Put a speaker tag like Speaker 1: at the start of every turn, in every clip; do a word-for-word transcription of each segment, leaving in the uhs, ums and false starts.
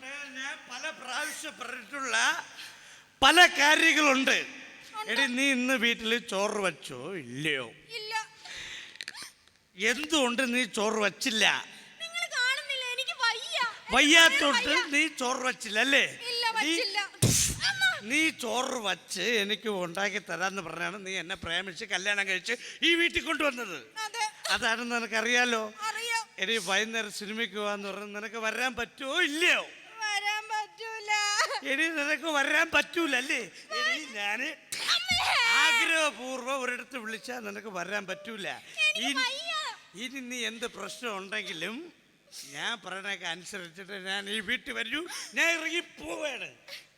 Speaker 1: ഞാൻ പല പ്രാവശ്യം പറഞ്ഞിട്ടുള്ള പല കാര്യങ്ങളുണ്ട്. എടി നീ ഇന്ന് വീട്ടിൽ ചോറ് വച്ചോ ഇല്ലയോ?
Speaker 2: ഇല്ല.
Speaker 1: എന്തുകൊണ്ട് നീ ചോറ് വച്ചില്ല?
Speaker 2: നിങ്ങൾ കാണുന്നില്ല, എനിക്ക് വയ്യ.
Speaker 1: വയ്യാത്തോട്ട് നീ ചോറ് വച്ചില്ല അല്ലേ?
Speaker 2: ഇല്ല, വച്ചില്ല.
Speaker 1: നീ ചോറ് വച്ച് എനിക്ക് ഉണ്ടാക്കി തരാന്ന് പറഞ്ഞാണ് നീ എന്നെ പ്രേമിച്ച് കല്യാണം കഴിച്ച് ഈ വീട്ടിൽ കൊണ്ടുവന്നത്. അതാണെന്ന് നിനക്കറിയാലോ. എടി വൈകുന്നേരം സിനിമയ്ക്ക് പോവാന്ന് പറഞ്ഞാൽ നിനക്ക് വരാൻ പറ്റുമോ ഇല്ലയോ?
Speaker 2: വരാൻ പറ്റൂല.
Speaker 1: എടി നിനക്ക് വരാൻ പറ്റൂല അല്ലേ? എടി ഞാന് ആഗ്രഹപൂർവ്വം ഒരിടത്ത് വിളിച്ചാൽ നിനക്ക് വരാൻ പറ്റൂല. ഇനി നീ എന്ത് പ്രശ്നം ഉണ്ടെങ്കിലും ഞാൻ പറയണൊക്കെ അനുസരിച്ചിട്ട് ഞാൻ ഈ വീട്ടിൽ വരൂ. ഞാൻ ഇറങ്ങി പോവാണ്.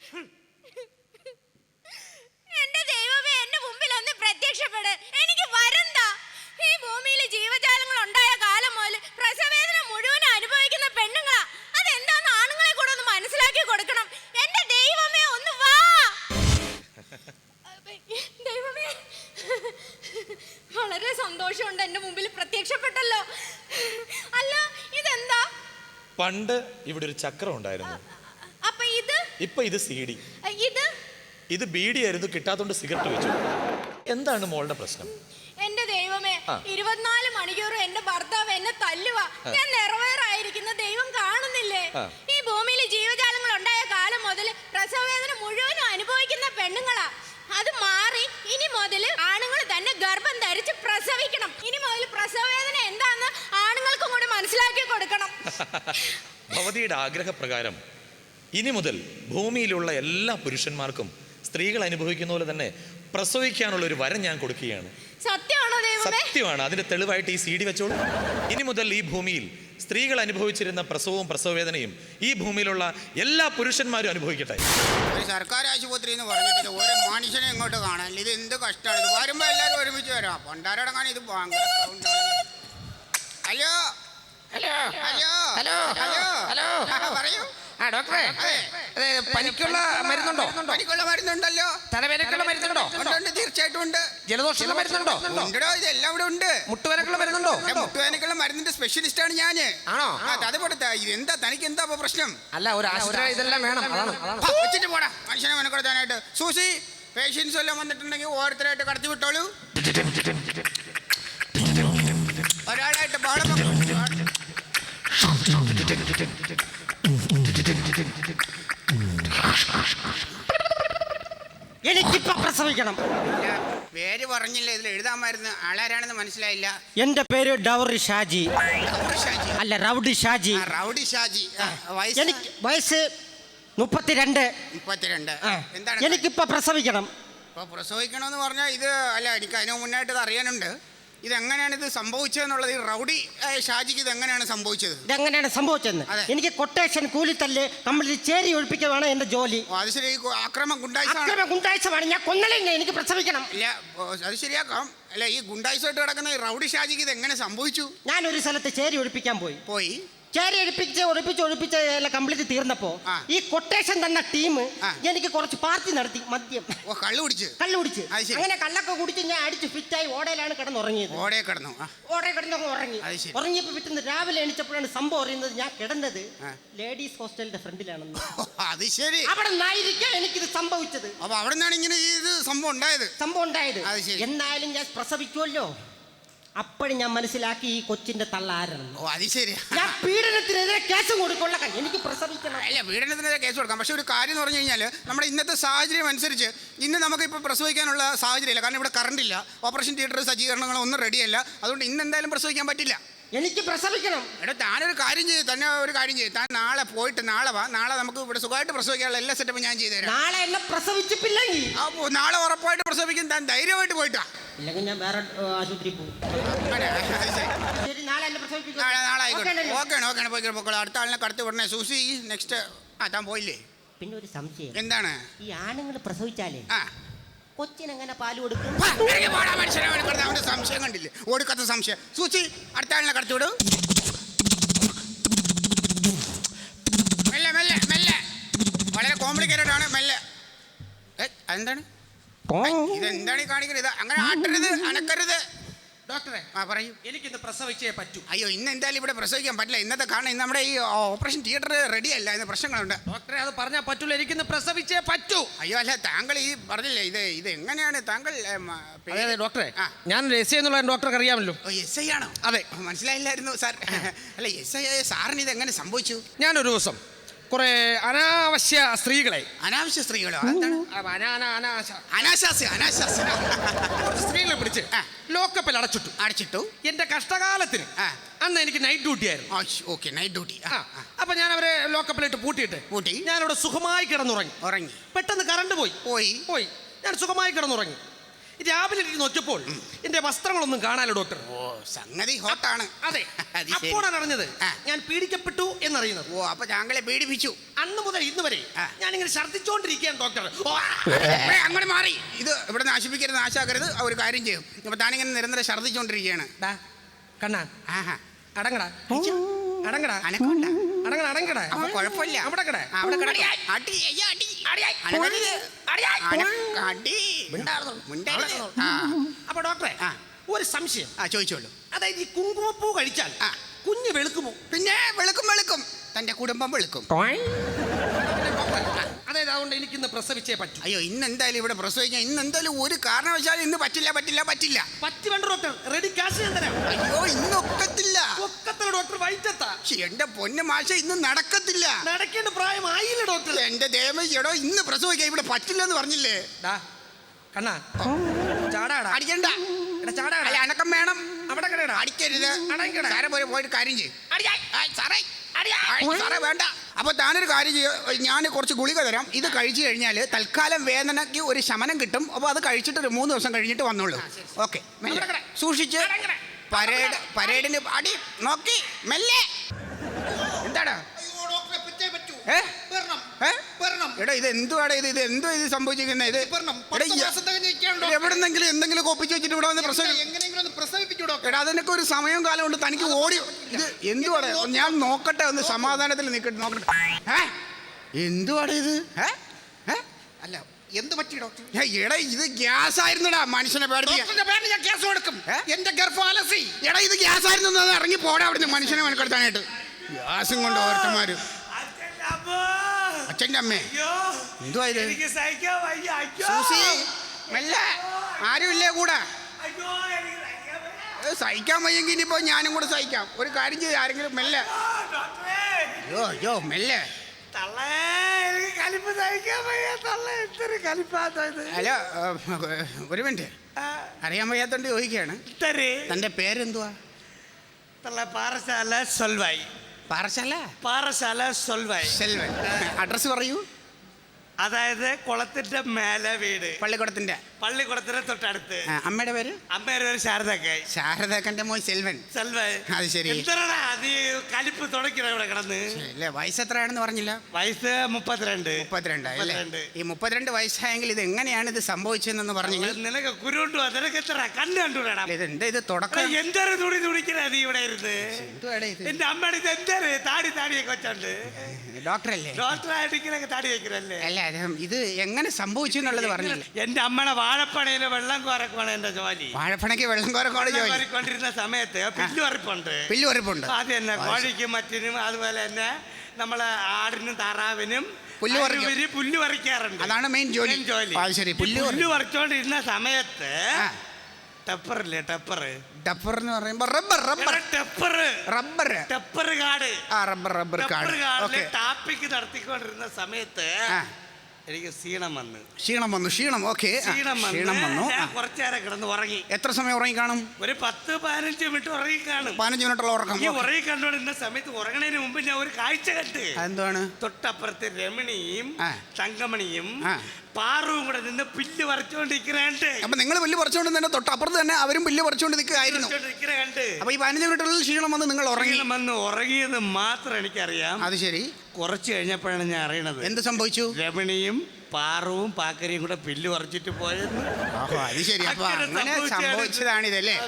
Speaker 2: എന്റെ ദൈവമേ, എന്റെ മുമ്പിൽ ഒന്ന് പ്രത്യക്ഷപ്പെട്. എനിക്ക് വരണ്ട. ഈ ഭൂമിയിൽ ജീവജാലങ്ങൾ ഉണ്ടായ കാലം മുതൽ പ്രസവവേദന മുഴുവൻ അനുഭവിക്കുന്ന പെണ്ണുങ്ങളാ. അതെന്താന്ന് ആണുങ്ങളെ കൂടെ ഒന്ന് മനസ്സിലാക്കി കൊടുക്കണം. എന്റെ ദൈവമേ, ഒന്ന് വാ. ദൈവമേ, വളരെ സന്തോഷമുണ്ട് എന്റെ മുമ്പിൽ പ്രത്യക്ഷപ്പെട്ടല്ലോ. അല്ല, ഇതെന്താ?
Speaker 3: പണ്ട് ഇവിടെ ഒരു ചക്രം ഉണ്ടായിരുന്നു.
Speaker 2: അപ്പൊ ഇത്?
Speaker 3: ഇപ്പൊ ഇത് സി ഡി.
Speaker 2: ഇത്
Speaker 3: ഇത് ബീഡി ആയിരുന്നു, കിട്ടാത്തോണ്ട് സിഗരറ്റ് വെച്ചു. എന്താണ് മോളുടെ പ്രശ്നം?
Speaker 2: എന്റെ ദൈവമേ, ഇരുപത്തിനാല് മണിക്കൂറും എന്റെ ഭർത്താവ് എന്നെ തല്ലുക. ഞാൻ നിറവേറായിരിക്കുന്ന ദൈവം കാണുന്നില്ലേ? ഈ ഭൂമിയിൽ ജീവജാലങ്ങൾ ഉണ്ടായ കാലം മുതൽ പ്രസവവേദന മുഴുവനും അനുഭവിക്കുന്ന പെണ്ണുങ്ങളാ. അത് മാറി ഇനി മുതൽ ആണുങ്ങൾ തന്നെ ഗർഭം ധരിച്ച് പ്രസവിക്കണം. ഇനി മുതൽ പ്രസവവേദന എന്താന്ന് ആണുങ്ങൾക്കും കൂടി മനസ്സിലാക്കി കൊടുക്കണം.
Speaker 3: ഭവതിയുടെ ആഗ്രഹപ്രകാരം ഇനി മുതൽ ഭൂമിയിലുള്ള എല്ലാ പുരുഷന്മാർക്കും സ്ത്രീകൾ അനുഭവിക്കുന്ന പോലെ തന്നെ പ്രസവിക്കാനുള്ള ഒരു വരം ഞാൻ കൊടുക്കുകയാണ്.
Speaker 2: സത്യമാണോ ദൈവമേ?
Speaker 3: സത്യമാണ്. അതിന്റെ തെളിവായിട്ട് ഈ സി ഡി വെച്ചോളൂ. ഇനി മുതൽ ഈ ഭൂമിയിൽ സ്ത്രീകൾ അനുഭവിച്ചിരുന്ന പ്രസവവും പ്രസവവേദനയും ഈ ഭൂമിയിലുള്ള എല്ലാ പുരുഷന്മാരും അനുഭവിക്കട്ടെ.
Speaker 4: ഒരു സർക്കാർ ആശുപത്രി എന്ന് പറഞ്ഞിട്ട് ഒരു മനുഷ്യനെ ഇങ്ങോട്ട് കാണാൻ ഇത് എന്ത് കഷ്ടമാണ്. ഇത് വരുമ്പോ എല്ലാവരും ഒരുമിച്ച് വരാം. പണ്ടാരടങ്ങാൻ ഇത് ഭയങ്കര സൗണ്ടാണ്. Hello
Speaker 5: hello
Speaker 4: hello
Speaker 5: hello
Speaker 4: hello hello പറയൂ.
Speaker 5: ആ ഡോക്ടറെ, പനിക്കുള്ള മരുന്നുണ്ടോ?
Speaker 4: പനിക്കുള്ള മരുന്നുണ്ടല്ലോ.
Speaker 5: തലവേദനക്കുള്ള മരുന്നുണ്ടോ?
Speaker 4: ഉണ്ട്, തീർച്ചയായിട്ടും ഉണ്ട്.
Speaker 5: ജലദോഷമുള്ള മരുന്നുണ്ടോ?
Speaker 4: ഉണ്ടോ, ഇതെല്ലാം ഇവിടെ ഉണ്ട്.
Speaker 5: മുട്ടുവേനക്കുള്ള മരുന്നുണ്ടോ?
Speaker 4: മുട്ടുവേനക്കുള്ള മരുന്നിന്റെ സ്പെഷ്യലിസ്റ്റ് ആണ് ഞാന്.
Speaker 5: ആണോ?
Speaker 4: അത് കൊടുത്താ ഇത് എന്താ തനിക്ക് എന്താ പ്രശ്നം?
Speaker 5: അല്ല, ഒരു ആശുപത്രി ഇതെല്ലാം വേണം.
Speaker 4: വെച്ചിട്ട് പോടാ മനുഷ്യനെ മെനക്കെടുത്താനായിട്ട്. സൂസി, പേഷ്യൻസ് എല്ലാം വന്നിട്ടുണ്ടെങ്കിൽ ഓരോരുത്തരായിട്ട് കടത്തി വിട്ടോളൂ. ഒരാളായിട്ട് ബഹളം.
Speaker 6: എനിക്കിപ്പോ പ്രസവിക്കണം.
Speaker 4: പേര് പറഞ്ഞില്ല, ഇതിൽ എഴുതാമായിരുന്നു. ആളാരാണെന്ന് മനസ്സിലായില്ല.
Speaker 6: എന്റെ പേര് ഡൗറി ഷാജി. അല്ല, റൗഡി ഷാജി.
Speaker 4: റൗഡി ഷാജി.
Speaker 6: എനിക്ക് വയസ്സ് മുപ്പത്തിരണ്ട്.
Speaker 4: മുപ്പത്തിരണ്ട്. എന്താണ്?
Speaker 6: എനിക്കിപ്പോ പ്രസവിക്കണം.
Speaker 4: ഇപ്പൊ പ്രസവിക്കണമെന്ന് പറഞ്ഞാൽ ഇത് അല്ല, എനിക്ക് അതിന് മുന്നായിട്ട് ഇത് അറിയാനുണ്ട്. ഇതെങ്ങനെയാണ് ഇത് സംഭവിച്ചതെന്നുള്ളത്. ഈ റൗഡി ഷാജിക്ക് ഇത് എങ്ങനെയാണ് സംഭവിച്ചത്?
Speaker 6: ഇതെങ്ങനെയാണ് സംഭവിച്ചതെന്ന് എനിക്ക് കൊട്ടേഷൻ, കൂലിത്തല്ല്, കംപ്ലീറ്റ് ചേരി ഒഴിപ്പിക്കുകയാണ് എന്റെ ജോലി.
Speaker 4: അത് ശരി. ആക്രമം ഗുണ്ടായിസം
Speaker 6: ഗുണ്ടായിസമാണ്. ഞാൻ കൊന്നലില്ല, എനിക്ക് പ്രസവിക്കണം.
Speaker 4: ഇല്ല, അത് ശരിയാക്കാം. അല്ല, ഈ ഗുണ്ടായിസമായിട്ട് കിടക്കുന്ന ഈ റൗഡി ഷാജിക്ക് ഇത് എങ്ങനെ സംഭവിച്ചു?
Speaker 6: ഞാനൊരു സ്ഥലത്ത് ചേരി ഒഴിപ്പിക്കാൻ പോയി
Speaker 4: പോയി
Speaker 6: ചേരി ഒഴിപ്പിച്ച് ഒഴിപ്പിച്ച് ഒഴിപ്പിച്ച് എല്ലാം കംപ്ലീറ്റ് തീർന്നപ്പോ ഈ കൊട്ടേഷൻ തന്ന ടീം എനിക്ക് കുറച്ച് പാർട്ടി നടത്തി. മദ്യം
Speaker 4: കള്ളു കുടിച്ച്
Speaker 6: കള്ളു കുടിച്ച് അങ്ങനെ കള്ളൊക്കെ കുടിച്ച് ഞാൻ അടിച്ച് ഫിറ്റായി ഓടയിലാണ് കിടന്നുറങ്ങിയത്.
Speaker 4: ഓടയെ കിടന്നു
Speaker 6: ഓടയെ കിടന്നൊക്കെ ഉറങ്ങി. ഉറങ്ങിയപ്പോ പിറ്റുന്ന രാവിലെ എണീച്ചപ്പോഴാണ് സംഭവം അറിയുന്നത് ഞാൻ കിടന്നത് ലേഡീസ് ഹോസ്റ്റലിന്റെ ഫ്രണ്ടിലാണെന്ന്.
Speaker 4: അത് ശരി.
Speaker 6: അവിടെ നിന്നായിരിക്കാം എനിക്കിത് സംഭവിച്ചത്.
Speaker 4: അപ്പൊ അവിടെ നിന്നാണ് ഇങ്ങനെ ഇത് സംഭവം ഉണ്ടായത്.
Speaker 6: സംഭവം ഉണ്ടായത് എന്നാലും ഞാൻ പ്രസവിക്കുമല്ലോ. അപ്പോഴും ഞാൻ മനസ്സിലാക്കി ഈ കൊച്ചിന്റെ തള്ളാരാണ്.
Speaker 4: ഓ, അത് ശരി.
Speaker 6: ഞാൻ പീഡനത്തിനെതിരെ കേസ് കൊടുക്കൊള്ള. എനിക്ക് പ്രസവിക്കണം.
Speaker 4: അല്ല, പീഡനത്തിനെതിരെ കേസ് കൊടുക്കാം. പക്ഷെ ഒരു കാര്യം എന്ന് പറഞ്ഞു കഴിഞ്ഞാൽ നമ്മുടെ ഇന്നത്തെ സാഹചര്യം അനുസരിച്ച് ഇന്ന് നമുക്ക് ഇപ്പോൾ പ്രസവിക്കാനുള്ള സാഹചര്യമില്ല. കാരണം ഇവിടെ കറണ്ട് ഇല്ല, ഓപ്പറേഷൻ തിയേറ്റർ സജ്ജീകരണങ്ങളോ ഒന്നും റെഡിയല്ല. അതുകൊണ്ട് ഇന്ന് എന്തായാലും പ്രസവിക്കാൻ പറ്റില്ല.
Speaker 6: എനിക്ക് പ്രസവിക്കണം.
Speaker 4: എടാ, താനൊരു കാര്യം ചെയ്യും. തന്നെ ഒരു കാര്യം ചെയ്യും. താൻ നാളെ പോയിട്ട് നാളെ വാ. നാളെ നമുക്ക് ഇവിടെ സുഖമായിട്ട് പ്രസവിക്കാനുള്ള എല്ലാ സെറ്റപ്പും ഞാൻ ചെയ്തു തരാം.
Speaker 6: നാളെ എന്നെ പ്രസവിച്ചിട്ടില്ലെങ്കിൽ
Speaker 4: അപ്പോൾ നാളെ ഉറപ്പായിട്ട് പ്രസവിക്കും. താൻ ധൈര്യമായിട്ട് പോയിട്ടാ.
Speaker 6: ഇല്ലെങ്കിൽ ഞാൻ വേറെ ആശുപത്രി പോകും. നാളെ
Speaker 4: നാളെ ആയിക്കോട്ടെ. ഓക്കെയാണ് ഓക്കെയാണ് പോയിക്കോ പോയിക്കോളൂ. അടുത്ത ആളിനെ കടത്തി വിടണേ. Susie, next. ആ, താൻ പോയില്ലേ?
Speaker 6: പിന്നെ ഒരു സംശയം.
Speaker 4: എന്താണ്?
Speaker 6: ഈ ആണുങ്ങൾ പ്രസവിച്ചാലേ
Speaker 4: ആ
Speaker 6: കൊച്ചിനെങ്ങനെ പാല് കൊടുക്കും?
Speaker 4: അവന്റെ സംശയം കണ്ടില്ലേ? ഓടിക്കത്ത സംശയം. സൂചി, അടുത്ത ആളിനെ കടത്തി വിടും. മെല്ലെ മെല്ലെ മെല്ലെ. വളരെ കോംപ്ലിക്കേറ്റഡ് ആണ്. മെല്ലെ. എന്താണ് ഇതെന്താണ് ഈ കാണിക്കുന്നത്? ഇത് അങ്ങനെ ആട്ടരുത്, അനക്കരുത്.
Speaker 5: ഡോക്ടറെ
Speaker 4: ആ പറയൂ.
Speaker 5: എനിക്കിന്ന് പ്രസവിച്ചേ പറ്റൂ.
Speaker 4: അയ്യോ ഇന്ന് എന്തായാലും ഇവിടെ പ്രസവിക്കാൻ പറ്റില്ല. ഇന്നത്തെ കാരണം ഇന്ന് നമ്മുടെ ഈ ഓപ്പറേഷൻ തിയേറ്റർ റെഡി അല്ല, ഇന്ന് പ്രശ്നങ്ങളുണ്ട്.
Speaker 5: ഡോക്ടറെ അത് പറഞ്ഞാൽ പറ്റൂല, എനിക്കിന്ന് പ്രസവിച്ചേ പറ്റൂ.
Speaker 4: അയ്യോ അല്ല, താങ്കൾ ഈ പറഞ്ഞില്ലേ ഇത് ഇത് എങ്ങനെയാണ് താങ്കൾ ഏം, ആ, പേര്-
Speaker 5: അതെ ഡോക്ടറെ,
Speaker 4: ആ.
Speaker 5: ഞാൻ എസ് ഐ എന്നുള്ള ഡോക്ടർക്ക് അറിയാമല്ലോ.
Speaker 4: ഓ, എസ് ഐ ആണോ?
Speaker 5: അതെ.
Speaker 4: മനസ്സിലായില്ലായിരുന്നു സാർ. അല്ല എസ് ഐ ആയ സാറിന് ഇത് എങ്ങനെ സംഭവിച്ചു?
Speaker 5: ഞാനൊരു ദിവസം കുറെ അനാവശ്യ സ്ത്രീകളെ
Speaker 4: അനാവശ്യ സ്ത്രീകളോ? എന്താണ്
Speaker 5: ആ, അനാ- അനാ- അനാശ
Speaker 4: അനാശാസ്യ അനാശാസ്യ
Speaker 5: കുറച്ച് സ്ത്രീകളെ പിടിച്ച്
Speaker 4: ആ.
Speaker 5: ലോക്കപ്പിൽ അടച്ചിട്ടു.
Speaker 4: അടച്ചിട്ടു.
Speaker 5: എന്റെ കഷ്ടകാലത്തിന്
Speaker 4: ആ.
Speaker 5: അന്ന് എനിക്ക് നൈറ്റ് ഡ്യൂട്ടി ആയിരുന്നു.
Speaker 4: Okay, night duty.
Speaker 5: ആ, അപ്പൊ ഞാൻ അവരെ ലോക്കപ്പിലിട്ട് പൂട്ടിയിട്ട്
Speaker 4: പൂട്ടി.
Speaker 5: ഞാനിവിടെ സുഖമായി കിടന്നുറങ്ങി.
Speaker 4: ഉറങ്ങി
Speaker 5: പെട്ടെന്ന് കറണ്ട് പോയി
Speaker 4: പോയി
Speaker 5: പോയി ഞാൻ സുഖമായി കിടന്നുറങ്ങി. രാവിലെ എനിക്ക് നോക്കിയപ്പോൾ എന്റെ വസ്ത്രങ്ങളൊന്നും കാണാലോ ഡോക്ടർ.
Speaker 4: ഓ, സംഗതി ഹോട്ടാണ്.
Speaker 5: അതെ,
Speaker 4: അത് ശരി.
Speaker 5: അപ്പോഴാണ് അറിഞ്ഞത്
Speaker 4: ആ.
Speaker 5: ഞാൻ പീഡിക്കപ്പെട്ടു എന്നറിയുന്നത്.
Speaker 4: ഓ, അപ്പൊ താങ്കളെ പീഡിപ്പിച്ചു.
Speaker 5: അന്ന് മുതൽ ഇന്ന് വരെ
Speaker 4: ആ.
Speaker 5: ഞാനിങ്ങനെ ഛർദ്ദിച്ചോണ്ടിരിക്കുകയാണ് ഡോക്ടർ. ഓ,
Speaker 4: ഏ, അങ്ങോട്ട് മാറി. ഇത് ഇവിടെ നാശിപ്പിക്കരുത്, നാശാക്കരുത്. ഒരു കാര്യം ചെയ്യും. ഇപ്പൊ താനിങ്ങനെ നിരന്തരം ഛർദ്ദിച്ചോണ്ടിരിക്കുകയാണ്.
Speaker 5: ഡാ, കണ്ണാ
Speaker 4: ആഹാ,
Speaker 5: അടങ്ങടാ അടങ്ങടാ
Speaker 4: അനക്കോണ്ട.
Speaker 5: അടങ്ങട അടങ്ങടാ
Speaker 4: അപ്പൊ കുഴപ്പമില്ല.
Speaker 5: അവിടെ കിട.
Speaker 4: ആ, അവിടെ കിടക്ക്. അടി, അയ്യ, അടി. അനക്കരുത്. അനക്ക- അടി. മിണ്ടരുത്. ആ,
Speaker 5: അപ്പൊ ഡോക്ടറെ
Speaker 4: ആ.
Speaker 5: ഒരു സംശയം.
Speaker 4: ആ, ചോദിച്ചോളൂ.
Speaker 5: അതായത് ഈ കുങ്കുമപ്പൂ കഴിച്ചാൽ
Speaker 4: ആ.
Speaker 5: കുഞ്ഞ് വെളുക്കുമോ?
Speaker 4: പിന്നെ വെളുക്കും വെളുക്കും, തന്റെ കുടുംബം വെളുക്കും.
Speaker 5: അതായത് അതുകൊണ്ട് എനിക്കിന്ന് പ്രസവിച്ചേ പറ്റൂ.
Speaker 4: അയ്യോ ഇന്ന് എന്തായാലും ഇവിടെ പ്രസവിക്കാൻ ഇന്ന് എന്തായാലും ഒരു കാരണവശാലും ഇന്ന് പറ്റില്ല പറ്റില്ല പറ്റില്ല.
Speaker 5: പറ്റി വേണ്ട ഡോക്ടർ, റെഡി കാശ് ഞാൻ തരാം.
Speaker 4: അയ്യോ ഇന്ന് ഒക്കത്തില്ല.
Speaker 5: ഒക്കത്തില്ല ഡോക്ടർ, വൈറ്റത്താ.
Speaker 4: ശ്ശെ, എന്റെ പൊന്നു മാഷ ഇന്ന് നടക്കത്തില്ല.
Speaker 5: നടക്കേണ്ട പ്രായമായില്ല ഡോക്ടർ.
Speaker 4: എന്റെ ദേവ എടോ ഇന്ന് പ്രസവിക്കാൻ ഇവിടെ പറ്റില്ലെന്ന് പറഞ്ഞില്ലേ?
Speaker 5: ഡാ, കണ്ണാ ചാടാടാ.
Speaker 4: അടിക്കണ്ട.
Speaker 5: എടാ, ചാടാടാ.
Speaker 4: അല്ല, അനക്കം വേണം.
Speaker 5: അവിടെ കിടടാ.
Speaker 4: അടിക്കരുത്.
Speaker 5: അടങ്ങിക്കടാ.
Speaker 4: സാറെ പോയി പോയിട്ട് കാര്യം ചെയ്യും. സാറേ ആയ്, സാറേ വേണ്ട. അപ്പൊ താനൊരു കാര്യം ചെയ്യ, ഞാൻ കുറച്ച് ഗുളിക തരാം. ഇത് കഴിച്ചു കഴിഞ്ഞാൽ തൽക്കാലം വേദനയ്ക്ക് ഒരു ശമനം കിട്ടും. അപ്പൊ അത് കഴിച്ചിട്ട് ഒരു മൂന്ന് ദിവസം കഴിഞ്ഞിട്ട് വന്നോളൂ. ഓക്കെ, സൂക്ഷിച്ച്. പരേഡ് പരേഡിന് അടി നോക്കി മെല്ലെ. എന്താടാ ഏ? ഏ? എടാ ഇത് എന്തുവാടാ ഇത് ഇത് എന്തോ ഇത് സംഭവിച്ചിരിക്കുന്നത്? ഇത് എടാ, ഈ- എവിടെന്നെങ്കിലും എന്തെങ്കിലും ഒപ്പിച്ച് വെച്ചിട്ട് ഇവിടെ വന്ന് പ്രസവിപ്പിച്ചു. എടാ അതിനൊക്കെ ഒരു സമയവും കാലം ഉണ്ട്. തനിക്ക് ഓടി ഇത് എന്തുവാടാ? ഞാൻ നോക്കട്ടെ, ഒന്ന് സമാധാനത്തിൽ നിൽക്കട്ടെ, നോക്കട്ടെ. ഏ? എന്തുവാടാ ഇത്? ഏ? ഏ?
Speaker 5: അല്ല, എന്ത് പറ്റി ഡോക്ടർ?
Speaker 4: ഏ, എടാ ഇത് ഗ്യാസ് ആയിരുന്നടാ, മനുഷ്യനെ പേടിപ്പിക്കാൻ.
Speaker 5: ഞാൻ ഗ്യാസ് കൊടുക്കും.
Speaker 4: ഏ?
Speaker 5: എന്റെ ഗർഭം അലസി.
Speaker 4: എടാ ഇത് ഗ്യാസ് ആയിരുന്നു, അത് ഇറങ്ങി പോടാ അവിടുന്ന്, മനുഷ്യനെ മെനക്കെടുത്താനായിട്ട്. ഗ്യാസും കൊണ്ട് ഓരോരുത്തന്മാര്. അച്ഛൻ്റെ അമ്മേ എന്തുവാ ഇത്?
Speaker 1: എനിക്ക് സഹിക്കാൻ വയ്യ. അയ്യോ.
Speaker 4: സൂസി മെല്ലെ, ആരുമില്ലേ കൂടെ?
Speaker 1: അയ്യോ, എനിക്ക് സഹിക്കാൻ വയ്യ.
Speaker 4: ഏ, സഹിക്കാൻ വയ്യെങ്കിൽ ഇനിയിപ്പോ ഞാനും കൂടെ സഹിക്കാം. ഒരു കാര്യം ചെയ്യും, ആരെങ്കിലും മെല്ലെ.
Speaker 1: ആ, ഡോക്ടറേ.
Speaker 4: അയ്യോ അയ്യോ മെല്ലെ.
Speaker 1: തള്ളേ, എനിക്ക് കലിപ്പ് സഹിക്കാൻ വയ്യ. തള്ളേ, എന്തൊരു കലിപ്പാത്ത ഇത്.
Speaker 4: അല്ല ഒരു മിനിറ്റ്,
Speaker 1: ആ,
Speaker 4: അറിയാൻ വയ്യാത്തോണ്ട് ചോദിക്കുകയാണ്.
Speaker 1: ഇത്തരെ
Speaker 4: തന്റെ പേരെന്തുവാ?
Speaker 1: തള്ള പാറശാല സൊൽവായി.
Speaker 4: പാറശാല
Speaker 1: പാറശാല സൊൽവായി.
Speaker 4: സെൽവൻ. അഡ്രസ് പറയൂ.
Speaker 1: അതായത് കുളത്തിന്റെ മേലെ വീട്,
Speaker 4: പള്ളിക്കുടത്തിന്റെ.
Speaker 1: പള്ളിക്കുളത്തിന് തൊട്ടടുത്ത്.
Speaker 4: ആ, അമ്മയുടെ പേര്?
Speaker 1: അമ്മയുടെ പേര് ശാരദക്കായി.
Speaker 4: ശാരദാക്കന്റെ മോൻ സെൽവൻ.
Speaker 1: സെൽവായി.
Speaker 4: അത് ശരി.
Speaker 1: എന്തരടാ നീ കലിപ്പ് തുടക്കണ ഇവിടെ കിടന്ന്?
Speaker 4: ഇല്ല, വയസ്സ് എത്രയാണെന്ന് പറഞ്ഞില്ല.
Speaker 1: വയസ്സ് മുപ്പത്തിരണ്ട്.
Speaker 4: മുപ്പത്തിരണ്ട് അല്ലേ?
Speaker 1: മുപ്പത്തിരണ്ട്.
Speaker 4: ഈ മുപ്പത്തിരണ്ട് വയസ്സായെങ്കിൽ ഇത് എങ്ങനെയാണ് ഇത് സംഭവിച്ചതെന്ന് പറഞ്ഞെങ്കിൽ
Speaker 1: നിനക്ക് കുരുണ്ടു നിനക്ക് എത്ര കണ്ണ് കണ്ടുവിടാ?
Speaker 4: ഇത് എന്താ ഇത് തുടക്കം?
Speaker 1: എന്തൊരു തുണി തുണിക്കണ നീ ഇവിടെ ഇരുന്ന്?
Speaker 4: എന്തുവാടാ ഇത്?
Speaker 1: എന്റെ അമ്മയുടെ ഇത് എന്തൊരു താടി താടിയൊക്കെ വെച്ചോണ്ട്
Speaker 4: ഡോക്ടറല്ലേ?
Speaker 1: ഡോക്ടറായിട്ട് ഇങ്ങനെ താടി വെക്കണല്ലേ?
Speaker 4: അല്ല അത് ഇത് എങ്ങനെ സംഭവിച്ചു എന്നുള്ളത് പറഞ്ഞില്ല.
Speaker 1: എന്റെ അമ്മയുടെ വാഴപ്പണയില് വെള്ളം കോരക്കുവാണ് എന്റെ ജോലി.
Speaker 4: വാഴപ്പണയ്ക്ക് വെള്ളം കോരക്കോട് ജോലി.
Speaker 1: കോരിക്കൊണ്ടിരുന്ന സമയത്ത് പില്ലു വറിപ്പുണ്ട്.
Speaker 4: പില്ലു വരപ്പുണ്ട്.
Speaker 1: അത് തന്നെ കോഴിക്കും മറ്റിനും അതുപോലെ തന്നെ നമ്മളെ ആടിനും താറാവിനും
Speaker 4: പുല്ല് പറിക്കും.
Speaker 1: അതിനുപരി പുല്ല് പറിക്കാറുണ്ട്.
Speaker 4: അതാണ് മെയിൻ ജോലി.
Speaker 1: മെയിൻ ജോലി.
Speaker 4: അത് ശരി.
Speaker 1: ഈ
Speaker 4: പുല്ല്
Speaker 1: പുല്ല് പറിച്ചോണ്ടിരുന്ന സമയത്ത്
Speaker 4: ആ.
Speaker 1: ടെപ്പറില്ലേ ടെപ്പർ
Speaker 4: ഡഫർ എന്ന് പറയുമ്പോ rubber rubber
Speaker 1: tapper
Speaker 4: rubber
Speaker 1: tapper കാട്
Speaker 4: ആ റബ്ബർ റബ്ബർ
Speaker 1: ടെപ്പർ
Speaker 4: കാട്.
Speaker 1: കാടില്
Speaker 4: ഓക്കെ.
Speaker 1: ടാപ്പിക്ക് നടത്തിക്കൊണ്ടിരുന്ന സമയത്ത്
Speaker 4: ആ.
Speaker 1: എനിക്ക് ക്ഷീണം വന്ന്
Speaker 4: ക്ഷീണം വന്നു. ക്ഷീണം ഓക്കെ.
Speaker 1: ക്ഷീണം
Speaker 4: ക്ഷീണം
Speaker 1: വന്ന്
Speaker 4: വന്നു.
Speaker 1: ഞാൻ
Speaker 4: ആ.
Speaker 1: കുറച്ചു നേരം കിടന്ന് ഉറങ്ങി.
Speaker 4: എത്ര സമയം ഉറങ്ങി കാണും?
Speaker 1: ഒരു പത്ത് പതിനഞ്ച് മിനിറ്റ് ഉറങ്ങി കാണും.
Speaker 4: പതിനഞ്ച് മിനിറ്റുള്ള ഉറക്കം.
Speaker 1: ഈ ഉറങ്ങി കണ്ടോണ്ടിരുന്ന സമയത്ത് ഉറങ്ങണതിന് മുമ്പ് ഞാൻ ഒരു കാഴ്ച കണ്ട്.
Speaker 4: എന്താണ്?
Speaker 1: തൊട്ടപ്പുറത്ത് രമണിയും
Speaker 4: ആ.
Speaker 1: തങ്കമണിയും
Speaker 4: ആ.
Speaker 1: പാറുവും കൂടെ നിന്ന് പുല്ല് പറിച്ചോണ്ടിരിക്കണുണ്ട്.
Speaker 4: അപ്പൊ നിങ്ങൾ പുല്ല് പറിച്ചുകൊണ്ട് തന്നെ തൊട്ടപ്പുറത്ത് തന്നെ അവരും പുല്ല് പറിച്ചുകൊണ്ട് നിൽക്കുകയായിരുന്നു.
Speaker 1: കണ്ട്
Speaker 4: അപ്പൊ ഈ പതിനഞ്ച് മിനിറ്റുള്ളിൽ ക്ഷീണം വന്ന് നിങ്ങൾ ഉറങ്ങി.
Speaker 1: ക്ഷീണം വന്ന് ഉറങ്ങിയത് മാത്രം എനിക്കറിയാം.
Speaker 4: അത് ശരി.
Speaker 1: കുറച്ച് കഴിഞ്ഞപ്പോഴാണ് ഞാൻ അറിയണത്
Speaker 4: എന്ത് സംഭവിച്ചു?
Speaker 1: രമണിയും പാറുവും പാക്കരിയും കൂടെ പുല്ല് പറിച്ചിട്ട് പോയെന്ന്.
Speaker 4: അത് ശരി. അപ്പൊ
Speaker 1: അങ്ങനെ
Speaker 4: അങ്ങനെ
Speaker 1: സംഭവിച്ചതാണ് ഇത്.
Speaker 4: സംഭവിച്ചതാണിതല്ലേ?
Speaker 1: അതെ, അതെ.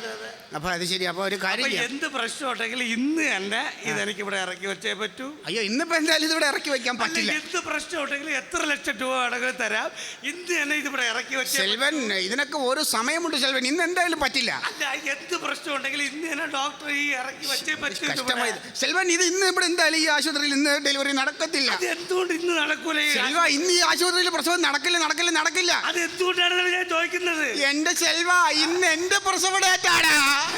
Speaker 4: അപ്പൊ അത് ശരി. അപ്പൊ ഒരു കാര്യം
Speaker 1: അപ്പൊ
Speaker 4: ചെയ്യാം.
Speaker 1: എന്ത് പ്രശ്നം ഉണ്ടെങ്കിൽ ഇന്ന് തന്നെ ഇതെനിക്ക് ഇവിടെ ഇറക്കി വെച്ചേ പറ്റൂ.
Speaker 4: അയ്യോ ഇന്നിപ്പോ എന്തായാലും ഇതിവിടെ ഇറക്കി വെക്കാൻ
Speaker 1: അല്ല,
Speaker 4: പറ്റില്ല.
Speaker 1: എന്ത് പ്രശ്നം ഉണ്ടെങ്കിൽ എത്ര ലക്ഷം രൂപ വേണമെങ്കിലും തരാം. ഇന്ന് തന്നെ ഇതിവിടെ ഇറക്കി വെച്ചേ
Speaker 4: സെൽവൻ, ഇതിനൊക്കെ ഒരു സമയമുണ്ട് സെൽവൻ. ഇന്ന് എന്തായാലും പറ്റില്ല.
Speaker 1: അല്ല, എന്ത് പ്രശ്നം ഉണ്ടെങ്കിൽ ഇന്ന് തന്നെ ഡോക്ടർ ഈ ഇറക്കി വെച്ചേ പറ്റൂ.
Speaker 4: കഷ്ടമായി സെൽവൻ. ഇത് ഇന്ന് ഇവിടെ എന്തായാലും ഈ ആശുപത്രിയിൽ ഇന്ന് ഡെലിവറി നടക്കത്തില്ല.
Speaker 1: അത് എന്തുകൊണ്ട് ഇന്ന് നടക്കൂല?
Speaker 4: സെൽവ, ഇന്ന് ഈ ആശുപത്രിയിൽ പ്രസവം നടക്കില്ല നടക്കില്ല നടക്കില്ല.
Speaker 1: അത് എന്തുകൊണ്ടാണ് ഞാൻ ചോദിക്കുന്നത്?
Speaker 4: എന്റെ സെൽവ, ഇന്ന് എന്റെ പ്രസവ ഡേറ്റാണ്.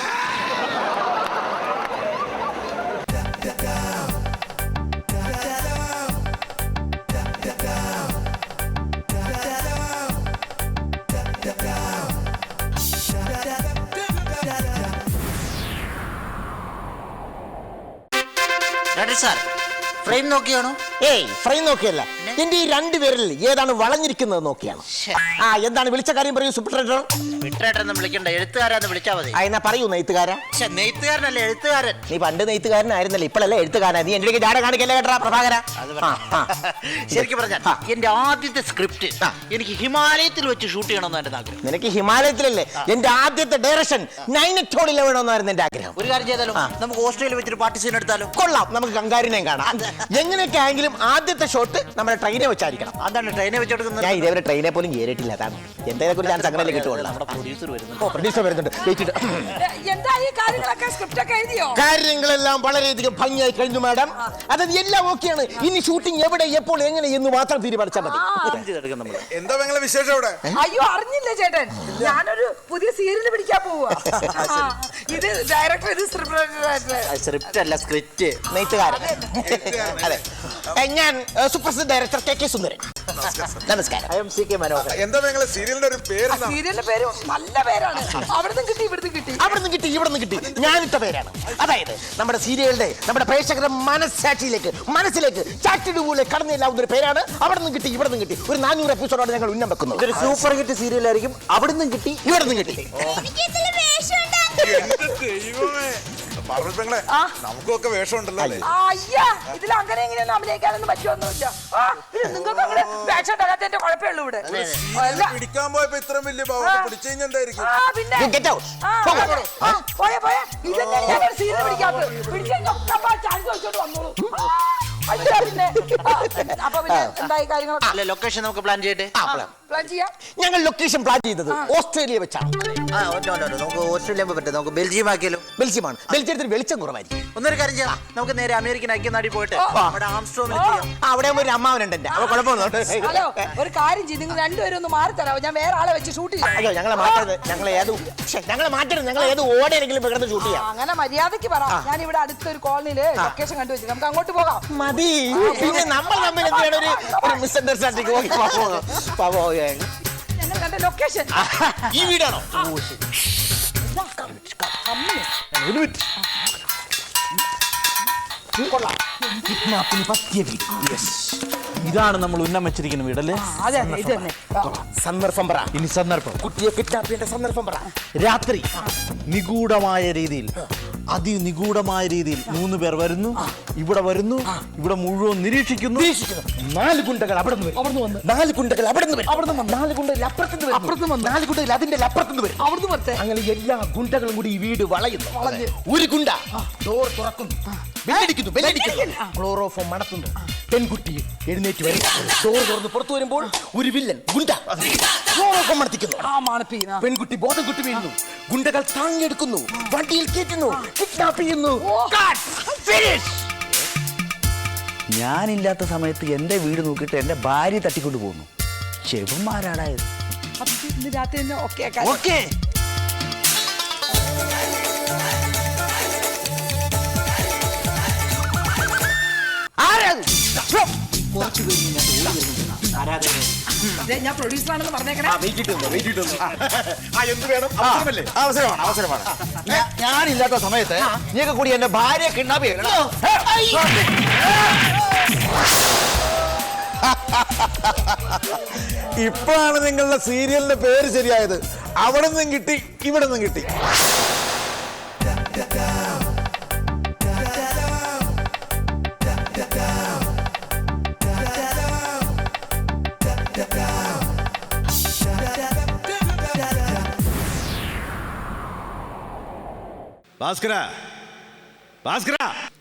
Speaker 7: Sir frame നോക്കിയാണോ?
Speaker 8: ഏയ് ഫ്രെയിം നോക്കിയല്ല, എന്റെ ഈ രണ്ടുപേരിൽ ഏതാണ് വളഞ്ഞിരിക്കുന്നത് നോക്കിയാണ്. ആ എന്താണ് വിളിച്ച കാര്യം പറയൂ സൂപ്പർട്രേഡർ.
Speaker 7: വിട്ടേട്ടെന്ന് വിളിക്കണ്ട, എഴുത്തുകാരാന്ന് വിളിച്ചാ മതി.
Speaker 8: ആ എന്നാ പറയൂ നെയ്ത്തുകാരാ.
Speaker 7: പക്ഷെ നെയ്ത്തുകാരനല്ല എഴുത്തുകാരൻ.
Speaker 8: നീ പണ്ട് നെയ്ത്തുകാരനായിരുന്നല്ലേ, ഇപ്പോഴല്ലേ എഴുത്തുകാരനാ. നീ എന്റെ ജാട കാണിക്കല്ലേ കേട്ടാ പ്രഭാകര.
Speaker 7: ശരിക്കും പറഞ്ഞാൽ എന്റെ ആദ്യത്തെ സ്ക്രിപ്റ്റ് എനിക്ക് ഹിമാലയത്തിൽ വെച്ച് ഷൂട്ട് ചെയ്യണമെന്ന് എന്റെ ആഗ്രഹം.
Speaker 8: നിനക്ക് ഹിമാലയത്തിലല്ലേ, എന്റെ ആദ്യത്തെ ഡയറക്ഷൻ നൈനറ്റോളിൽ വേണമെന്നായിരുന്നു എന്റെ ആഗ്രഹം.
Speaker 7: ഒരു കാര്യം ചെയ്താലോ, നമുക്ക് ഓസ്ട്രേലിയ വെച്ചൊരു പാർട്ടി സീൻ എടുത്താലോ?
Speaker 8: കൊള്ളാം, നമുക്ക് കങ്കാരിനെയും കാണാം. എങ്ങനെയൊക്കെ ആയെങ്കിലും ആദ്യത്തെ ഷോട്ട് നമ്മുടെ ട്രെയിനെ വെച്ചായിരിക്കണം.
Speaker 7: അതാണ് ട്രെയിനെ വെച്ചെടുക്കുന്നത്.
Speaker 8: ഞാൻ ഇതേവരെ ട്രെയിനെ പോലും കയറിയിട്ടില്ല. അതാണ് എന്തെങ്കിലും കുറിച്ച് ഞാൻ സംഘടനയിൽ കിട്ടുള്ളൂ.
Speaker 7: നമ്മുടെ പ്രൊഡ്യൂസർ വരുന്നുണ്ട്.
Speaker 8: ഓ പ്രൊഡ്യൂസർ വരുന്നുണ്ട്.
Speaker 9: എന്താ ഈ കാര്യങ്ങളൊക്കെ സ്ക്രിപ്റ്റ് ഒക്കെ എഴുതിയോ?
Speaker 8: കാര്യങ്ങളെല്ലാം വളരെയധികം ഭംഗിയായി കഴിഞ്ഞു മാഡം. അതായത് എല്ലാം ഓക്കെയാണ്. ഇനി ഷൂട്ടിംഗ് എവിടെ എപ്പോൾ എങ്ങനെ എന്ന് മാത്രം തീരുമാനിച്ചാൽ മതി.
Speaker 10: എന്താ നിങ്ങളെ വിശേഷം അവിടെ?
Speaker 9: അയ്യോ അറിഞ്ഞില്ല ചേട്ടൻ, ഞാനൊരു പുതിയ സീരിയൽ പിടിക്കാൻ പോവാ. ഇത് ഡയറക്ടർ, ഇത്
Speaker 7: സ്ക്രിപ്റ്റ് അല്ല സ്ക്രിപ്റ്റ്.
Speaker 8: നെയ്ത്തുകാരൻ. അതെ, ഞാൻ സുപ്രസിദ്ധ ഡയറക്ടർ കെ കെ സുന്ദരൻ. നമസ്കാരം.
Speaker 7: I am C K Manohar.
Speaker 10: എന്താ നിങ്ങളെ സീരിയലിന്റെ ഒരു പേര്?
Speaker 9: സീരിയലിന്റെ പേര് നല്ല പേരാണ്. അവിടുന്ന് കിട്ടി ഇവിടുന്ന് കിട്ടി
Speaker 8: അവിടുന്ന് കിട്ടി ഇവിടുന്ന് കിട്ടി ഞാനിട്ട പേരാണ്. അതായത് നമ്മുടെ സീരിയലിന്റെ നമ്മുടെ പ്രേക്ഷകരുടെ മനസ്സാക്ഷിയിലേക്ക് മനസ്സിലേക്ക് ചാറ്റിടുപോലെ കടന്നില്ലാവുന്ന ഒരു പേരാണ്. അവിടുന്ന് കിട്ടി ഇവിടുന്ന് കിട്ടി. ഒരു നാനൂറ് എപ്പിസോഡാണ് ഞങ്ങൾ ഉന്നം വെക്കുന്നത്.
Speaker 7: ഇതൊരു സൂപ്പർ ഹിറ്റ് സീരിയലായിരിക്കും. അവിടുന്ന് കിട്ടി
Speaker 8: ഇവിടുന്ന് കിട്ടി.
Speaker 10: പാർവതിങ്ങളെ നമുക്കൊക്കെ വേഷം ഉണ്ടല്ലോ അല്ലേ?
Speaker 9: അയ്യാ, ഇതിൽ അങ്ങനെ എങ്ങനെയൊന്നും അഭിനയിക്കാനൊന്നും പറ്റുമൊന്നുമില്ല. നിങ്ങൾക്ക് അങ്ങനെ വേഷം ഉണ്ടാകാത്തതിന്റെ കുഴപ്പമുള്ളൂ ഇവിടെ.
Speaker 10: പിടിക്കാൻ പോയപ്പോ ഇത്രയും വലിയ ഭാവം പിടിച്ചു കഴിഞ്ഞാൽ എന്തായിരിക്കും?
Speaker 9: ആ പിന്നെ
Speaker 8: You get out.
Speaker 9: ആ, പോയെ പോയെ ഇതെന്താണ് ഞാൻ ഒരു സീരിയൽ പിടിക്കാത്തത്? പിടിച്ചു കഴിഞ്ഞാൽ ചാൻസ് വെച്ചോണ്ട് വന്നോളൂ. അയ്യാ പിന്നെ അപ്പൊ പിന്നെ എന്തായി കാര്യങ്ങളൊക്കെ?
Speaker 7: അല്ല, ലൊക്കേഷൻ നമുക്ക് പ്ലാൻ ചെയ്യട്ടെ.
Speaker 9: പ്ലാൻ ചെയ്യാം.
Speaker 8: ഞങ്ങൾ ലൊക്കേഷൻ പ്ലാൻ ചെയ്തത് ഓസ്ട്രേലിയ വെച്ചാണ്.
Speaker 7: ആ, no, no, no, നമുക്ക് ഓസ്ട്രേലിയ പറ്റും. നമുക്ക് ബെൽജിയം ആക്കിയാലോ?
Speaker 8: ബെൽജിയമാണ്. ബെൽജിയത്തിന് വെളിച്ചം കുറവായിരിക്കും.
Speaker 7: ഒന്നൊരു കാര്യം ചെയ്യാം, നമുക്ക് നേരെ അമേരിക്കൻ ഐക്യനാട്ടിൽ പോയിട്ട് അവിടെ ആംസ്ട്രോമിൽ ചെയ്യാം.
Speaker 8: അവിടെ ഒരു അമ്മാവനുണ്ട് എന്റെ. അവ കുഴപ്പമൊന്നും.
Speaker 9: ഹലോ, ഒരു കാര്യം ചെയ്ത് നിങ്ങൾ രണ്ടുപേരും ഒന്ന് മാറി തരാമോ? ഞാൻ വേറെ ആളെ വെച്ച് ഷൂട്ട് ചെയ്യാം.
Speaker 8: അയ്യോ ഞങ്ങളെ മാറ്റരുത്. ഞങ്ങളെ ഏത് ഞങ്ങളെ മാറ്റരുത്. ഞങ്ങൾ ഏത് ഓടെയെങ്കിലും കിടന്ന് ഷൂട്ട് ചെയ്യാം.
Speaker 9: അങ്ങനെ മര്യാദക്ക് പറ. ഞാൻ ഇവിടെ അടുത്തൊരു കോളനിയില് ലൊക്കേഷൻ കണ്ടുവച്ചു, നമുക്ക് അങ്ങോട്ട് പോകാം.
Speaker 8: മതി. പിന്നെ നമ്മൾ തമ്മിൽ എന്താണ് ഒരു ഒരു മിസ്അണ്ടർസ്റ്റാൻഡിങ്?
Speaker 9: ഞങ്ങൾ കണ്ട ലൊക്കേഷൻ
Speaker 8: ഈ വീടാണോ?
Speaker 11: ഇതാണ് നമ്മൾ ഉന്നം വെച്ചിരിക്കുന്ന വീടല്ലേ?
Speaker 9: അതെ അതെ, ഇത് തന്നെ.
Speaker 8: സന്ദർഭം പറ.
Speaker 11: ഇനി സന്ദർഭം,
Speaker 8: കുട്ടിയെ കിഡ്നാപ്പ് ചെയ്യേണ്ട സന്ദർഭം പറ.
Speaker 11: രാത്രി നിഗൂഢമായ രീതിയിൽ, അതിനിഗൂഢമായ രീതിയിൽ മൂന്ന് പേർ വരുന്നു, ഇവിടെ വരുന്നു, ഇവിടെ മുഴുവൻ നിരീക്ഷിക്കുന്നു.
Speaker 8: നാല് ഗുണ്ടകൾ അവിടെ നിന്ന് വരും. നാല് ഗുണ്ടകൾ അവിടെ നിന്ന് വരും. നാല് ഗുണ്ടകൾ അപ്പുറത്തുനിന്ന് വരും. അപ്പുറത്തുനിന്ന് നാല് ഗുണ്ടകൾ അതിന്റെ അപ്പുറത്തുനിന്ന് വരും.
Speaker 9: അവിടുന്ന് വരട്ടെ.
Speaker 8: അങ്ങനെ എല്ലാ ഗുണ്ടകളും കൂടി ഈ വീട് വളയുന്നു. ഒരു ഗുണ്ട ഡോർ തുറക്കുന്നു, ബെല്ലടിക്കുന്നു, ബെല്ലടിക്കുന്നു, ക്ലോറോഫോം മണത്തുന്നു. പെൺകുട്ടി എഴുന്നേറ്റ് വരും. ഡോർ തുറന്ന് പുറത്തു വരുമ്പോൾ ഒരു വില്ലൻ ഗുണ്ട ക്ലോറോഫോം മണത്തിക്കുന്നു. പെൺകുട്ടി ബോധം കുട്ടി വീഴുന്നു. ഗുണ്ടകൾ താങ്ങിയെടുക്കുന്നു, വണ്ടിയിൽ കയറ്റുന്നു, കിഡ്നാപ്പ് ചെയ്യുന്നു.
Speaker 11: ഞാനില്ലാത്ത സമയത്ത് എന്റെ വീട് നോക്കിയിട്ട് എന്റെ ഭാര്യ തട്ടിക്കൊണ്ടു പോകുന്നു. ചെവന്മാരാടായത്.
Speaker 9: ഇന്ന് രാത്രി തന്നെ ഓക്കെ
Speaker 11: ഓക്കെ.
Speaker 9: ഞാൻ പ്രൊഡ്യൂസറാണെന്ന് പറഞ്ഞേക്കണേ.
Speaker 11: അവസരമാണ് അവസരമാണ്. ഞാനില്ലാത്ത സമയത്ത് നീയൊക്കെ കൂടി എന്റെ ഭാര്യ കിഡ്നാപ്പ് ചെയ്യണം. ഇപ്പോഴാണ് നിങ്ങളുടെ സീരിയലിന്റെ പേര് ശരിയായത്. അവിടെ നിന്നും കിട്ടി, ഇവിടെ നിന്നും കിട്ടി. ഭാസ്കര ഭാസ്കര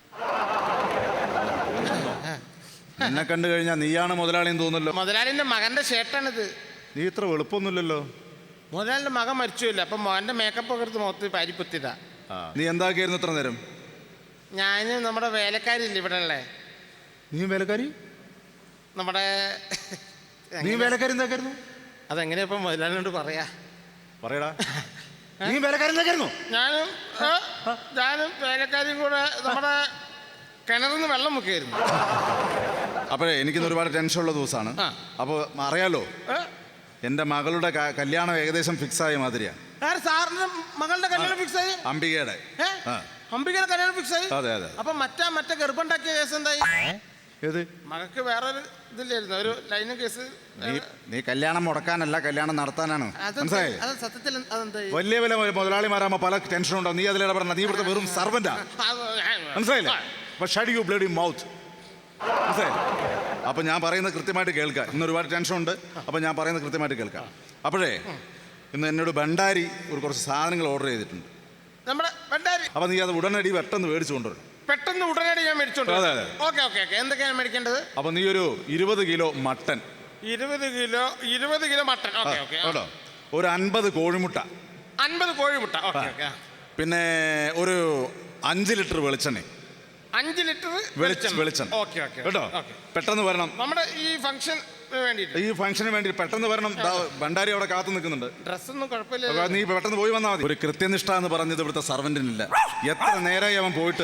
Speaker 11: എന്നെ കണ്ടു കഴിഞ്ഞാൽ നീയാണ് മുതലാളിയെന്ന് തോന്നുന്നല്ലോ.
Speaker 12: മുതലാളിന്റെ മകന്റെ ഷർട്ടാണിത്.
Speaker 11: നീ ഇത്ര വെളുപ്പൊന്നുമില്ലല്ലോ.
Speaker 12: മുതലാളിന്റെ മകൻ മരിച്ചില്ല, അപ്പൊ മോന്റെ മേക്കപ്പ് ഒക്കെ എടുത്ത് മുഖത്ത് പാരിപ്പുത്തിയതാ.
Speaker 11: നീ എന്താക്കിയായിരുന്നു ഇത്ര നേരം?
Speaker 12: ഞാന് നമ്മുടെ വേലക്കാരില്ല ഇവിടെ ഉള്ളേ.
Speaker 11: നീ വേലക്കാരി?
Speaker 12: നമ്മുടെ
Speaker 11: നീ വേലക്കാരി എന്താക്കായിരുന്നു?
Speaker 12: അതെങ്ങനെയാ ഇപ്പൊ മുതലാളിനോട് പറയാ?
Speaker 11: പറയടാ. നീ വേലക്കാരി എന്താക്കായിരുന്നു?
Speaker 12: ഞാനും ഞാനും വേലക്കാരിയും കൂടെ നമ്മുടെ കിണറിന്ന് വെള്ളം മുക്കിയായിരുന്നു.
Speaker 11: അപ്പോഴേ എനിക്കിന്ന് ഒരുപാട് ടെൻഷനുള്ള ദിവസമാണ്. അപ്പോൾ അറിയാലോ, എൻ്റെ മകളുടെ കല്യാണം ഏകദേശം ഫിക്സ് ആയ മാതിരിയാ.
Speaker 12: സാറിന്റെ മകളുടെ കല്യാണം ഫിക്സ് ആയി?
Speaker 11: അംബികയുടെ.
Speaker 12: അംബികയുടെ കല്യാണം ഫിക്സ് ആയി?
Speaker 11: അതെ അതെ.
Speaker 12: അപ്പൊ മറ്റാ മറ്റേ ഗർഭമുണ്ടാക്കിയ കേസ് എന്തായി?
Speaker 11: ഏത്?
Speaker 12: മകക്ക് വേറൊരു ഇതില്ലായിരുന്നു, ഒരു ലൈനും കേസ്.
Speaker 11: നീ കല്യാണം മുടക്കാനല്ല, കല്യാണം നടത്താനാണ്. മനസ്സിലായി?
Speaker 12: സത്യത്തിൽ അതെന്തായി?
Speaker 11: വലിയ വലിയ മുതലാളിമാരാകുമ്പോ പല ടെൻഷൻ ഉണ്ടാവും. നീ അതിലിടപെടണം. നീ ഇവിടുത്തെ വെറും സർവന്റാ. മനസ്സിലായില്ലേ? Shut you bloody mouth. മനസ്സിലായി? അപ്പം ഞാൻ പറയുന്നത് കൃത്യമായിട്ട് കേൾക്കുക. ഇന്ന് ഒരുപാട് ടെൻഷൻ ഉണ്ട്. അപ്പം ഞാൻ പറയുന്നത് കൃത്യമായിട്ട് കേൾക്കാം. അപ്പോഴേ ഇന്ന് എന്നോട് ഭണ്ഡാരി ഒരു കുറച്ച് സാധനങ്ങൾ ഓർഡർ ചെയ്തിട്ടുണ്ട്.
Speaker 12: നമ്മുടെ ഭണ്ഡാരി?
Speaker 11: അപ്പം നീ അത് ഉടനടി പെട്ടെന്ന് മേടിച്ചു കൊണ്ടുവരും.
Speaker 12: പെട്ടെന്ന് ഉടനടി ഞാൻ മേടിച്ചോണ്ട്.
Speaker 11: അതെ അതെ.
Speaker 12: Okay okay okay. എന്തൊക്കെയാണ് മേടിക്കേണ്ടത്?
Speaker 11: അപ്പം നീ ഒരു ഇരുപത് കിലോ മട്ടൻ.
Speaker 12: ഇരുപത് കിലോ ഇരുപത് കിലോ മട്ടൻ. Okay okay.
Speaker 11: കേട്ടോ. ഒരു അൻപത് കോഴിമുട്ട.
Speaker 12: അൻപത് കോഴിമുട്ട. Okay okay.
Speaker 11: പിന്നെ ഒരു അഞ്ച് ലിറ്റർ വെളിച്ചെണ്ണ.
Speaker 12: അഞ്ച് ലിറ്റർ
Speaker 11: വെളിച്ചെണ്ണ.
Speaker 12: ഓക്കെ ഓക്കെ
Speaker 11: കേട്ടോ. പെട്ടെന്ന് വരണം.
Speaker 12: നമ്മുടെ ഈ ഫംഗ്ഷൻ വേണ്ടിയിട്ട്.
Speaker 11: ഈ ഫംഗ്ഷന് വേണ്ടി പെട്ടെന്ന് വരണം. ഭണ്ഡാരി അവിടെ കാത്തു നിൽക്കുന്നുണ്ട്.
Speaker 12: ഡ്രസ്സൊന്നും കുഴപ്പമില്ല.
Speaker 11: നീ പെട്ടെന്ന് പോയി വന്നാൽ മതി. ഒരു കൃത്യനിഷ്ഠ എന്ന് പറഞ്ഞത് ഇവിടുത്തെ സർവന്റിനില്ല. എത്ര നേരമായി അവൻ പോയിട്ട്.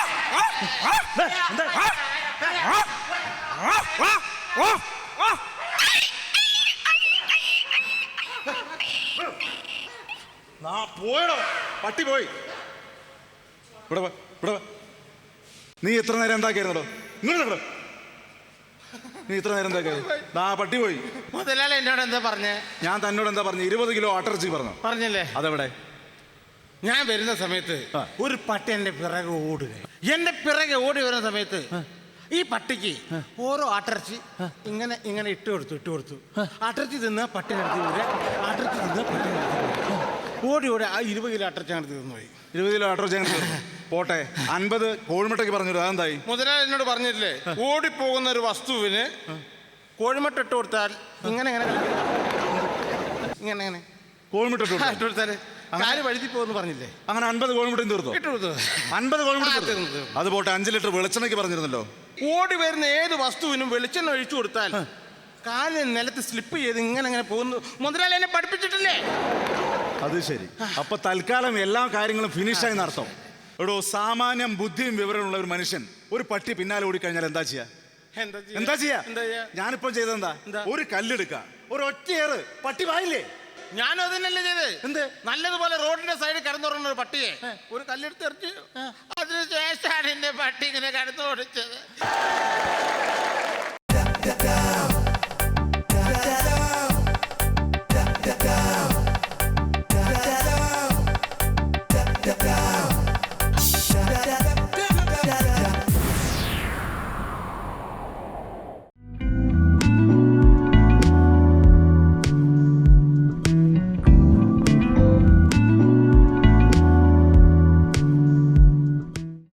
Speaker 11: പോയടോ, പട്ടി പോയി. ഇവിടെ ഇവിടെ നീ എത്ര നേരം എന്താക്കിയായിരുന്നോ? ഇങ്ങോട്ട് നീ ഇത്ര നേരം എന്താക്കിയായിരുന്നു? ആ പട്ടി പോയി.
Speaker 12: മുതലാളി എന്നോട് എന്താ പറഞ്ഞേ?
Speaker 11: ഞാൻ തന്നോട് എന്താ പറഞ്ഞു? ഇരുപത് കിലോ ആട്ടിറച്ചി പറഞ്ഞു.
Speaker 12: പറഞ്ഞല്ലേ?
Speaker 11: അതെവിടെ?
Speaker 12: ഞാൻ വരുന്ന സമയത്ത് ഒരു പട്ടി എന്റെ പിറകെ ഓടുക. എന്റെ പിറകെ ഓടി വരുന്ന സമയത്ത് ഈ പട്ടിക്ക് ഓരോ ആട്ടിറച്ചി ഇങ്ങനെ ഇങ്ങനെ ഇട്ട് കൊടുത്തു ഇട്ട് കൊടുത്തു ആട്ടിറച്ചി തിന്ന പട്ടിനെടുത്ത് വരിക, ആട്ടിറച്ചി തിന്ന പട്ടിനെടുത്ത് ഓടി ഓടി ആ ഇരുപത് കിലോ ആട്ടിറച്ചി അങ്ങനെ തിന്നു പോയി.
Speaker 11: ഇരുപത് കിലോ ആട്ടിറച്ചി അങ്ങനെ പോട്ടെ. അൻപത് കോഴിമുട്ടയ്ക്ക് പറഞ്ഞു. അതെന്തായി?
Speaker 12: മുതലാളി എന്നോട് പറഞ്ഞില്ലേ, ഓടിപ്പോകുന്ന ഒരു വസ്തുവിന് കോഴിമുട്ട ഇട്ട് കൊടുത്താൽ ഇങ്ങനെ ഇങ്ങനെ ഇങ്ങനെ ഇങ്ങനെ
Speaker 11: കോഴിമുട്ട ഇട്ട്
Speaker 12: കൊടുത്താൽ കാല് വഴുതി പോകുന്നു പറഞ്ഞില്ലേ?
Speaker 11: അങ്ങനെ അൻപത് കോഴിമുട്ടയും തീർന്നു.
Speaker 12: ഇട്ട് കൊടുത്തു.
Speaker 11: അൻപത് കോഴിമുട്ട അത് പോട്ടെ. അഞ്ച് ലിറ്റർ വെളിച്ചെണ്ണയ്ക്ക് പറഞ്ഞിരുന്നല്ലോ.
Speaker 12: ഓടി വരുന്ന ഏത് വസ്തുവിനും വെളിച്ചെണ്ണ ഒഴിച്ചു കൊടുത്താൽ കാല് നിലത്ത് സ്ലിപ്പ് ചെയ്ത് ഇങ്ങനെ അങ്ങനെ പോകുന്നു. മുതലാളി എന്നെ പഠിപ്പിച്ചിട്ടില്ലേ?
Speaker 11: അത് ശരി. അപ്പൊ തൽക്കാലം എല്ലാ കാര്യങ്ങളും ഫിനിഷായി നടത്തും. എടോ, സാമാന്യം ബുദ്ധിയും വിവരമുള്ള ഒരു മനുഷ്യൻ ഒരു പട്ടി പിന്നാലെ ഓടിക്കഴിഞ്ഞാൽ എന്താ ചെയ്യാ? എന്താ ചെയ്യാ? ഞാനിപ്പോ ചെയ്തെന്താ? ഒരു കല്ലെടുക്ക, ഒരു ഒറ്റയേറ്, പട്ടി വായില്ലേ?
Speaker 12: ഞാനും അതന്നെയല്ലേ ചെയ്ത്. എന്ത് നല്ലതുപോലെ റോഡിന്റെ സൈഡിൽ കിടന്നുറങ്ങുന്ന ഒരു പട്ടിയെ ഒരു കല്ലെടുത്ത് എറിഞ്ഞു. അതിനുശേഷമാണ് എന്റെ പട്ടി ഇങ്ങനെ കിടന്നു ഓടിച്ചത്.